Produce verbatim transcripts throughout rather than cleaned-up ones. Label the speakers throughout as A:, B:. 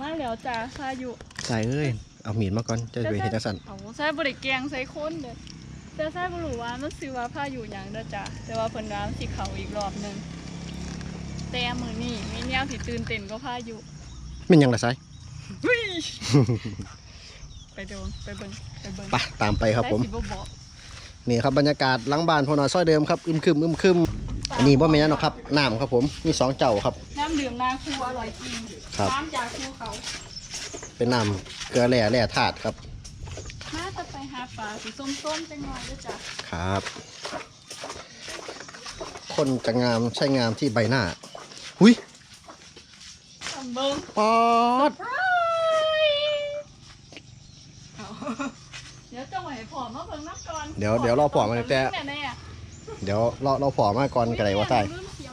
A: มาแล้วจ้าพายุ
B: ใส่เอ้ยเอามีดมาก่อนจะไปเห็นจังซั่น
A: เอาใส่บริแกงใส่คนเด้อแต่ใส่บ่รู้ว่ามันสิว่าพายุหยังเด้อจ้าแต่ว่าเพิ่นว่าสิเข้าอีกรอบนึงแต่มื้อนี้มีแนวสิตื่นเต้นก็พายุ
B: แม่นหยังล่ะไส
A: ไปดูไปเบิ่งไปเบิ่ง
B: ไปตามไปครับผม
A: สิบ่บอก
B: นี่ครับบรรยากาศหลังบ้านพ่อน้อยซอยเดิมครับอึมครึมอึมครึมอันนี้บ่แม่นหรอกครับน้ำครับผมมีสองเจ้าครับ
A: น้ำดื่มนาคูอร่อยจริงน้ำจากภูเขา
B: เป็นน้ำเกลือแร่แร่ธาตุครับ
A: มาจะไปหาปลาสีส้มๆจังหน่อยด้วยจ้ะ
B: ครับคนจะงามใช่งามที่ใบหน้าหุย
A: เบิ่ง
B: ปอด
A: เดี๋ยวจะไหวผอมมาเบิ่งน้ำก่อน
B: เดี๋ยวเดี๋ยวรอผอมมาแต่เดี๋ยวรอรอผอมมาก่อนกันเลยว่าใช่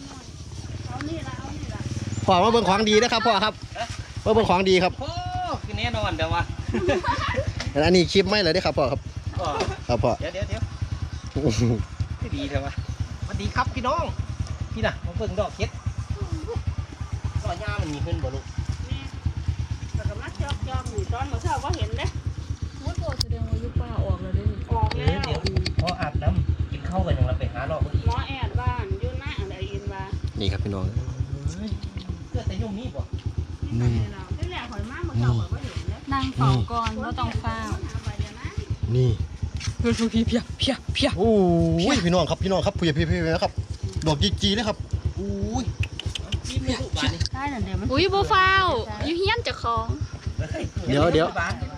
B: ผอมมาเบิ่งของดีนะครับพ่อครับเบิ่งของดีครับ
C: โอ้คือแน่นอนเดี๋ยววะ
B: อันนี้คลิปไม่เลยได้ครับพ่อครับครับพ่อ
C: เดี๋ยวเดี๋ยวเดี๋ยวดีเถอะวะสวัสดีครับพี่น้องพี่น่ะมาเบิ่งดอกเห็ดดอกหญ้ามันมีขึ้นบ่ลูก
A: แต่กำลังจอกจอกอยู่ตอนเมื่อเช้าก็เห็นเด้มดโตแสดงว่ายุป้าออกแล้วเด้ออกแล้ว
C: เดี๋ยวพออาบน้ำกินข้าวกันยังเราไปหาดอก
A: หมอแอดบ้านยุ่นหน้าอะไรอินว่า
B: นี่ครับพี่น้อง
C: เกิดแต่ยุ่งนี่ป่ะ
A: นี่ที่แหลกหอยมากเมื่อเช้าก็เห็นแล้วนั่งเฝ้าก่อนก็ต้องเฝ้า
B: นี่
A: เพียเพียเพียเพียเพีย
B: โอ้ยพี่น้องครับพี่น้องครับเพียเพียเพียนะครับดอกจีจีเลยครับอุ้ย
A: ได้หน่อยเดี๋ยวมันอุ้ยโบฟ้าวยูเฮียนจะคล้อง
B: เดี๋ยวเดี๋ยว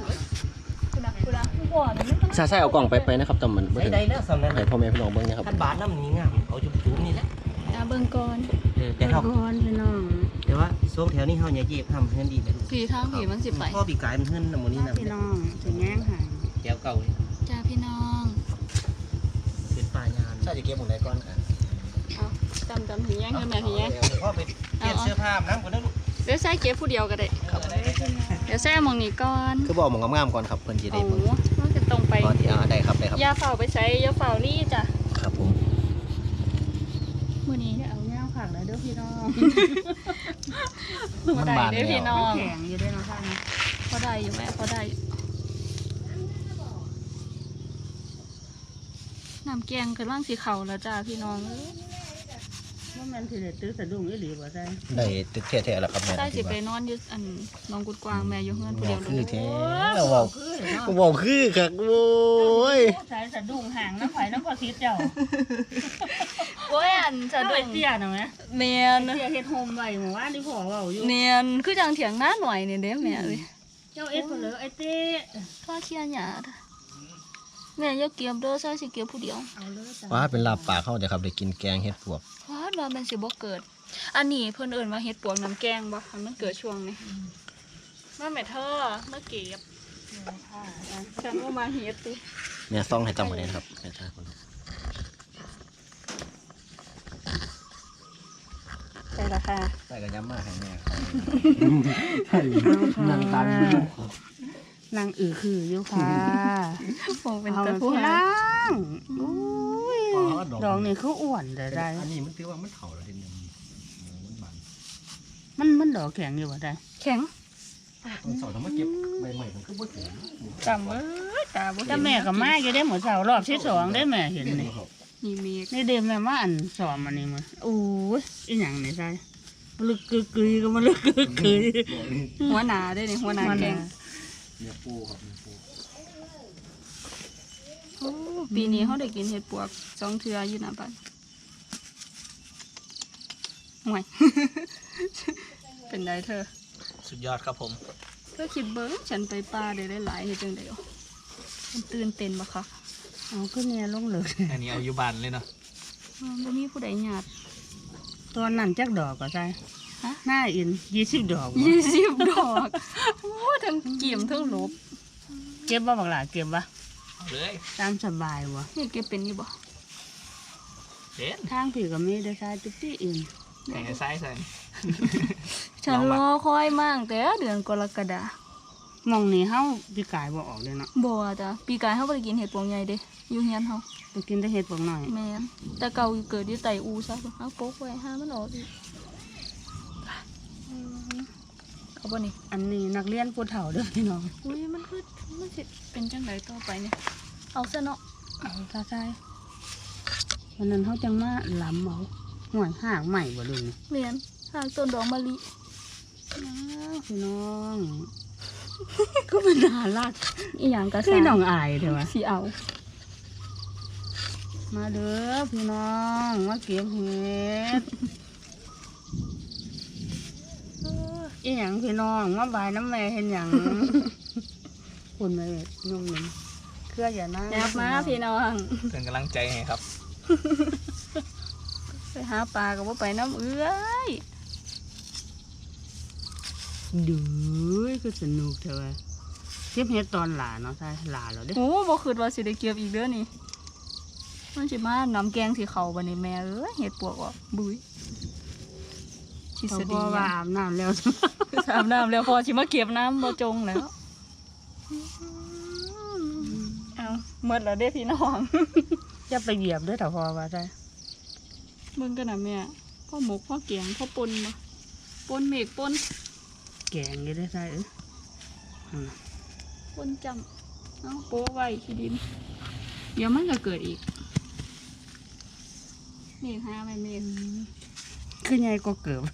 B: ใช่ใช่เอากล่องไปไปนะครับแต่มัน
C: ได้ได้แล้วสำนัก
B: ให้พ่อแม่พี่น้องเบิ้งนะครับ
C: ท่านบาทน้ำนี้งามเอาจุ๊บจุ๊บนี่แหละ
A: เอาเบิ้งก่อน
C: แต่เขา
A: ก่อนพี่น้อง
C: แต่ว่าช่วงแถวนี้เขาเนี่ยเย็บทำเพื่อนดีเลย
A: ผีทางผีมันสิไป
C: พ่อปีกายมันเพื่อนน้ำมันนี่นะ
A: พี่น้องจะแง่งหาย
C: แก้วเก่าเลย
A: จ้าพี่น้อง
C: เป็นป่ายาน
B: ใช่จะเก็บหมดเลยก่อน
A: เอาจำจำผีแง่งกันแม่ผีแง่ง
C: พ่อไปเปลี่ยนเสื้อผ้าน้ำก่อนนะลูก
A: เดี๋ยวใส่เก็บผู้เดียวก็ได้เดี๋ยวใส่มองนี้ก่อน
B: คือบอกมองงามๆก่อนครับเพื่อนจีได้มึง
A: มันจะตรงไป
B: ได้ครับได้ครับ
A: ยาเฝ้าไปใช้ยาเฝ้านี่จ้ะ
B: ครับผม
A: มื้อนี้เอาแง่วผักแล้วเด้อพี่น้องมันได้เด้อพี่น้องแข็งอยู่ด้วยนะท่านพอได้อยู่แม่พอได้น้ำแกงกำลังสีเข่าแล้วจ้าพี่น้องว่ามันถือตื้อสะดุ้งอีหลีบ่ใช่
B: ได้ตึกแท้ๆแล้วครับแม่
A: ใช่สิไปนอนอยู่อันน้องกุดกวางแม่อยู่เฮือนผู้เดียว
B: คือแท้บอกบอกคือค่ะโว้ย
A: ใส่สะดุ้งห่างน้ำไผ่น้ำพอทิพย์เจ้าโอ้ยอันสะดุ้งเตี้ยหน่อยไหมเนียนเตี้ยเฮ็ดโฮมไว้หมู่บ้านที่พ่อเว้าอยู่เนียนคือจังเถียงหน้าหน่อยนี่เด้แม่เอ้ยเจ้าเอ็ดคนเลยไอ้เต้พ่อเชียร์หยาดแม่ยกเกี๊ยวเด้อใส่สิเกี๊ยวผู้เดียว
B: ว้าเป็นลาบปากเข้าเดี๋ยวครับได้กินแกงเห็ดปวก
A: ว้าว่ามันสิบ่เกิดอันนี้เพิ่นเอิ้นว่าเห็ดปวกน้ำแกงบ่มันเกิดช่วงนี้มาแม่เธอมาเก็บฉันว่ามาเห็ดติ
B: เนี่ยซองให้จำไว้นะครับแม่ท่าคน
A: ใช่ละค่ะ
B: ใส่กระยำมากให้แม่
A: นางตันนางอือคืออยู่ค่ะคงเป็นตะพูนางดอกนี่เขาอ้วนได้ได้
B: อันนี้มันถือว่ามันเข่าแล้วทีนึงมันมัน
A: มันมันดอกแข็งอยู่ว่าได้แข็ง
B: ตอนสอนทำมาเก็บใหม่ๆมันก็บ่ถึง
A: จำเอ้ยตาบ่แต่แม่กับมาอยู่ได้หมดเสารอบที่สองได้แม่เห็นนี่นี่มีนี่เดมแม่ว่าอันสอนมันนี่มั้ยโอ้ยอีหยังนี่ใช่ลึกกึกกึยก็มันลึกกึกกึยหัวหนาได้นี่หัวหนาแกง
B: เนื้อปูครับเนื้อปู
A: โอ้ปีนี้เขาได้กินเห็ดปวกสองเทื่ออยู่นะบ้านห่วยเป็นไรเธอ
C: สุดยอดครับผม
A: เธอคิดเบิ้งฉันไปปลาได้หลายเห็ดจังเดียวมันตื่นเต้นปะคะเอาก็เนี่ยลงเลย
C: อันนี้เอาอยู่บ้านเลยเนาะ
A: มันมีผู้ใดหยาดตอนนั้นจักดอกก็ใช่ฮะหน้าอินยี่สิบดอกยี่สิบดอกโอ้ทั้งเกี่ยมทั้งลบเก็บบ่บักหลาเก็บบ่
C: เอาเลย
A: ตามสบายวะนี่เก็บเป็นอยู่บ่
C: เป็น
A: ทางผีก็ไม่ได้ใช้จุดที่อื่น
C: แต่ใส่ใส่
A: ฉันรอคอยมากแต่เดือนกรกฎาคมมองนี่เฮาปีกายบ่ออกเลยเนาะบ่จ้ะปีกายเฮาบ่ได้กินเห็ดปวงใหญ่เด้อยู่เฮียนเฮาไปกินแต่เห็ดปวงน้อยแม่นแต่เก่าเกิดอยู่ไตอูซะเฮาปกไว้หามันออกอีกเขาบ่นี่
D: อันนี้นักเรียนผู้เฒ่าเด้อพี่น้อง
A: อุ้ยมันคือมันสิเป็นจังไดต่อไปเนี่ยเอาซะเนาะ
D: เอาซะใช่วันนั้นเขาจังมาล้ำเอาห่วยห่างใหม่บ่ลุงนี่
A: เรียนหางต้นดอกมะลิ
D: อ้าวพี่น้องก็เป็นน่ารัก
A: อีหยังก็
D: คือน้องอายเถอะวะ
A: สิเอา
D: มาเด้อพี่น้องมาเก็บเห็ดอีหยังพี่น้องมาบายน้ำแม่เห็นหยังคุณแม่นุ่มหนึ่งเครืออย่านั่ง
A: ยับมาพี่น้อง
C: เป็นกำลังใจให้ครับ
A: ไปหาปลาก็บ่ไปน้ำเอื้อย
D: ดูคือสนุกเถอะวะเก็บเห็ดตอนหลาเนาะใช่หลาแล้วเด้อ
A: โอ้บ่คิดว่าสิได้เก็บอีกเด้อนี่มันสิมาน้ำแกงสิเข้าบัดนี้แม่เอ้ยเฮ็ดปวกออกบุ้ยทฤ
D: เขา
A: ษ
D: บ
A: ฎี
D: อกว่าอาบน้ำแล้ว
A: อาบน้ำแล้วพอสิมาเก็บน้ำบ่จงแล้วเอาหมดแล้วเด้พี่น้อง
D: จะไปเหยียบด้วยแต่พอว่าใช่
A: เบิ่งกันนะแม่พ่อหมกพ่อเกียงพ่อปนบ่ปนเมฆปน
D: แกงอยังได้ใช่เอออืม
A: ปนจำเอาโป๊ไว้ขี้ดิน เดี๋ยวมันก็เกิดอีกเมฆหาไม่เมฆ
D: คือไงก็เกิบ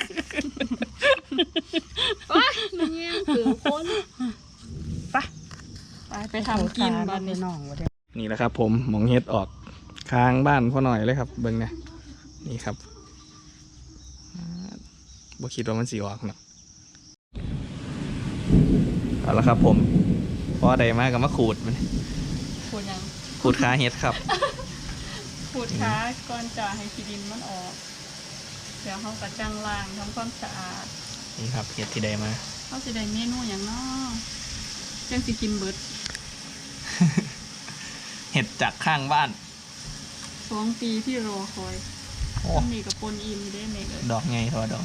A: ว้ามันแย่งเกิดปน
D: ไป
A: ไปไปทำกินบ้าน
D: นี้
A: นี้
D: น้องวะเด้
C: นี่แหละครับผมหมองเฮ็ดออกค้างบ้านพ่อหน่อยเลยครับเบิ่งเนี่ยนี่ครับอ่าบ่คิดว่ามันสิออกเนาะเอาละครับผมพอใดมาก็มาขูดมัน
A: ขูดยัง
C: ขูดขาเฮ็ดครับ
A: ขูดขาก่อนจะให้ขี้ดินมันออก เดี๋ยวเขากระจังล้างทำความสะอาด
C: นี่ครับเฮ็ดที่ใดมา
A: เขาจะได้เมนูอย่างน้อจังสิกินเบิด
C: เห็ดจากข้างบ้าน
A: สองปีที่รอคอย
C: โอ้
A: ต้นนี้กับปนอิมได้เมกเลย
C: ดอกไงทอดอก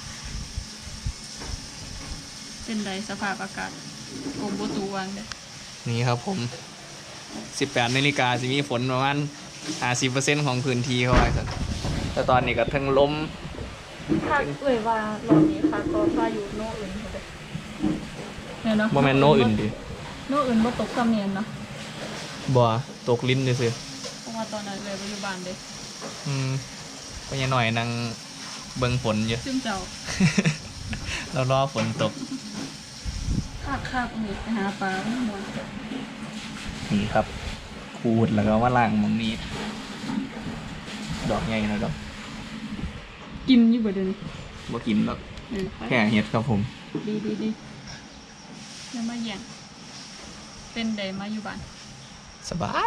A: เป็นไรสภาพอากาศกรมบุตุวังเด้อ
C: นี่ครับผมสิบแปดนาฬิกาจะมีฝนประมาณห้าสิบเปอร์เซ็นต์ของพื้นที่เขาไว้สักแต่ตอนนี้ก็ทั้งลม
A: ภาคเอ่ยว่ารอบนี้ค่ะก็พายุโนอื่นเขาเด้อเนี่ยเนาะ
C: บ่แม่นโนอื่นดิ
A: โนอื่นบ่ตกกำเนียนเนาะ
C: บ่ตกลิ้นซื่อ
A: เพราะว่าตอนนั้นเลยปัจจุบันเด้อ
C: ๆอืมก็ยังหน่อยนั่งเบิ่งฝนอยู่
A: ซึ่งเจ้า
C: เรารอฝนตก
A: คาบคาบนี่ไปหาปลาไม่มวน
C: นี่ครับขูดแล้วก็ว่าล่างหมองนี้ ดอกใหญ่นะดอก
A: กินอยู่บ่เดี๋ยวนี้
C: บ่กินหรอก
A: เออไป
C: แค่เห็ดครับผม
A: ดีดีดีอย่ามาแย่งเป็นใดมาอยู่บ้าน
C: สบาย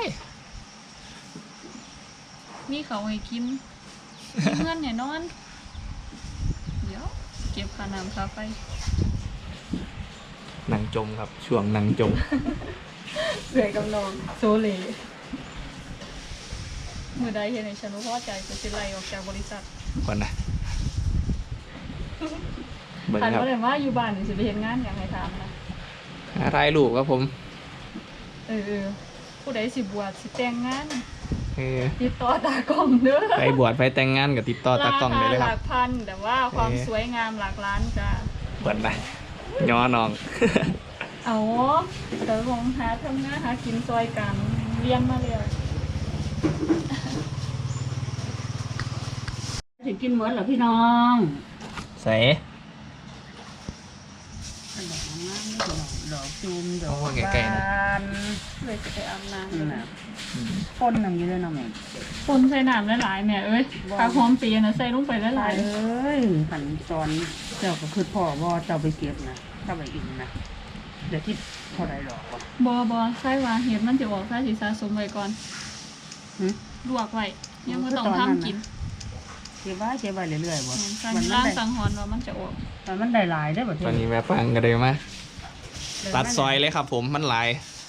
A: มีเขาให้กินมีเงินให้นอน เดี๋ยว เก็บค่าน้ำค่าไฟ
C: หนังจมครับ ช่วงหนังจม
A: เสื่อยกับน้องโซเลมือใดเห็นในฉันว่าพอใจจะสิไล่ออกจากบริษัท
C: ก่อนนะเบิ่ง
A: คัน
C: ครับ
A: ว่าเลยว่าอยู่บ้านนี่สิไปเห็นงานอย่างไรถามนะ
C: หาถ่ายรูปครับผม
A: เออเออผู้ใดสิบวชสิแต่งงาน
C: เออ
A: ติดต่อตากล้องเด้อ
C: ไปบวชไปแต่งงานกับติดต่อตากล้องได้เลย
A: ห
C: ครั
A: ลั
C: บ
A: กพันแต่ว่าความ
C: เออ
A: สวยงามหลักล้านจ้า
C: เปิดนะย่อน้อง
A: เอาเดี๋ยวลองหาทำงานหากินซอยกันเรียนมาเลย
D: ถึงกินเหมือนเหรอพี่น้อง
C: ใส่
D: ดอกงามดอกดอกจูมดอก
C: โอ้ใกล้ๆนะ
D: บาน
A: เลยจะไปอาบน้
D: นั่นน่ะพ่นน้ำอยู่เลยน้องแม่
A: ำคนใส่น้ำหลายๆแม่เอ้ยผักหอมปีนะใส่ลงไปห
D: ห
A: ลา
D: ลาย
A: ย
D: เอ้ยขันตอนเจ้าก็คือพ่อว่าเจ้าไปเก็บนะเจ้าไปอินนะเดี๋ยวที่เท่าไรดอกวะ
A: ๆบอบอใส่ว่าเห็ดมันจะออกใส่สีสะสมไว้ก่อน
D: หึ
A: ลวกไว้ยังไม่ต้อง
D: คือตอนนั้น
A: ทำกิน
D: น่ะ เก็บไว้เก็บไว้เรื่อยๆบ่
A: การ
D: มัน
A: ล่าง
D: ได้
A: สังหรณ์ว่ามันจะออก
D: มันได้หลายได้บ่
C: ตอนนี้แม่ฟังกันเลยมาตัดซอยเลยครับผมมันหลาย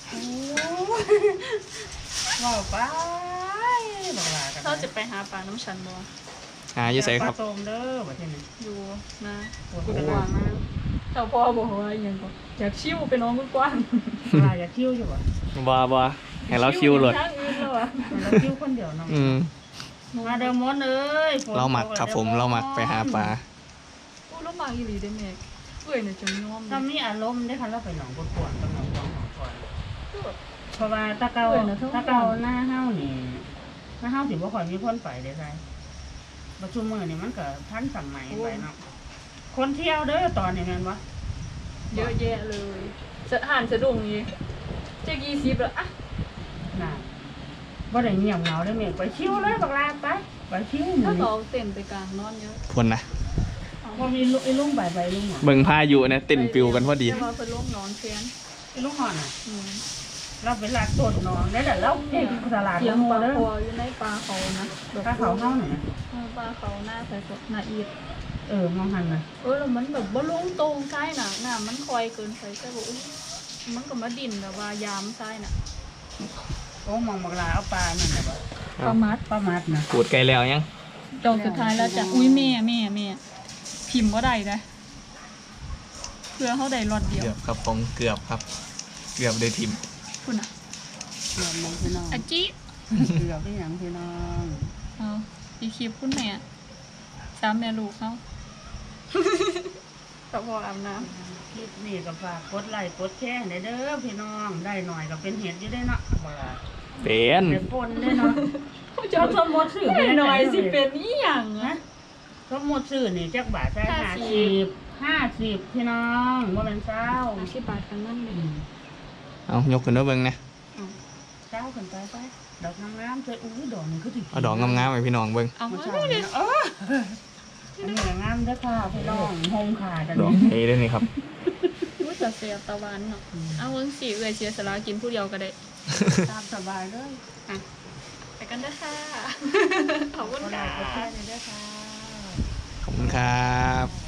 D: ว้าวไปบอกลากัน
A: เขาจะไปหาปลาน้ำชันบอ
C: หาอยู่ใส่ครับ
D: ปลาโซมเด้อบ่ใช่ไหม
A: อยู่นะ
D: ปวดกระวางนะ
A: แต่พ่อบอกว่าอหยังก็อยากชิวไปน้องกว้าง
D: ปลาอยากคิ้วอยู่บ่
C: บาบาให้เราคิวโหลด
A: ทางอื่นแล้วอะ
D: เราคิ้วคนเดียวเนาะ
C: อืม
D: มาเด้อมดเอ้ยฝน
C: เราหมักครับผมเราหมักไปหาปลา
A: อู้ลูกหมากอีหลีได้แม่เว้ยเนี่ยจนยอม
D: ถ้ามีอารมณ์ได้ค่ะเราไปหนองกวนๆกับหนองกวางของก่อนเพราะว่าตะเกาตะเกาหน้าเฮ้านี่หน้าเฮ้าสิบ่ค่อยมีคนไปได้ไสปัจจุบันนี่มันก็ทันสมัยไปเนาะคนเที่ยวเด้อตอนนี้แม่นบ่
A: เยอะแยะเลยสะหันสะดุ้งนี่เจ๊กี่สิบแล้วอะ
D: น่ะบ่ได้เงียบเหงาได้แม่ไปชิวเลยบักลาไปไปชิวห
A: ถ้า
D: นี่
A: เขาเต้นไปกลางนอนเยอะ
C: คนนะ
D: บ่มีลุไอ้ลุงใบใบลุงหรอ
C: เบิ่งพายุนะเต้นปิวกันพอดี
A: จะมาเป็นลูกนอนแฟน
D: ไอ้ลุงหอนน่ะ
A: อืม
D: เราไปลากต้นนอนได้แต่เราเก่งตลาด
A: เสียง
D: โม
A: ปลา
D: เด้อ
A: คออยู่ในปลาเขานะแบบ
D: ถ้าเขาเฮ้าหน่อย
A: เออปลาเขาหน้าใส่สดหน้าอีด
D: เออมองหันน่ะ
A: เออแล้วมันแบบบ่ลงตรงซ้ายน่ะน้ำมันคอยเกินไปใช่บ่อุ๊ยมันก็มาดินแบบว่ายามซ้ายน่ะ
D: โอ้มองบักลาเอาปลานั่นน่ะบ่
A: ปลามัด
D: ปลามัดน่ะ
C: พูดไกลแล้วยัง
A: จองสุดท้ายแล้วจ้ะอุ้ยแม่แม่แม่พิมพ์บ่ได้นะเพื่อเขาได้รอดเดียว
C: เกือบครับผมเกือบครับ เกือบได้ทีม
A: คุณอ่ะ
D: เกือบมองพี่น้อง
A: อาจิ
D: เกือบได้หยังพี่น้อง
A: เอาอีคลิปคุณแม่สามแม่ลูกเขากับพ่ออาบน้
D: คลิปนี้ก็ฝากกดไลค์กดแชร์ได้เด้อพี่น้องได้หน่อยก็เป็นเห็ดอยู่ได้เนาะบักลา
C: เป็น
D: ได้ปนได้เนาะ
A: ำ
D: เราสมมติซื้อไป
A: หน่อยสิเป็นอีหยัง
D: นะ
A: นะ
D: สมมติซื้อนี่จักบาทได้
A: ห้า
D: ห้า
A: สิ
D: สิ
A: บ
D: บห้าสิบพี่น้องว่าเป็นเจ้า
A: อาชีพบาทกันนั่นเลย
C: เอายกขึ้นมาเบิ่งนะ
D: เจ้าขึ้นไปไปดอกงามๆสวยอุ้ยดอกนี่คือถึง
C: เอาดอกงามๆไปพี่น้องเบิ่ง
A: เอา
D: มา
A: มา
D: ใช่
A: ได้เลย
D: เอออันนี้งามเด้อค่ะพี่น้องโฮมค่ะตอน
C: ดอก
D: นี้
C: เอได้นี่ครับ
A: รู้จักเสียบตะวันเนาะเอาเงินสี่เอือยเสียสละกินผู้เดียวก็ได้
D: ตามสบายเลย
A: อ่ะไปกันเด้อค่ะ ขอบคุณ
D: ก็ได้
A: ค่ะ
D: ก็แค่นี้เด้อค่ะ
C: ขอบคุณครับ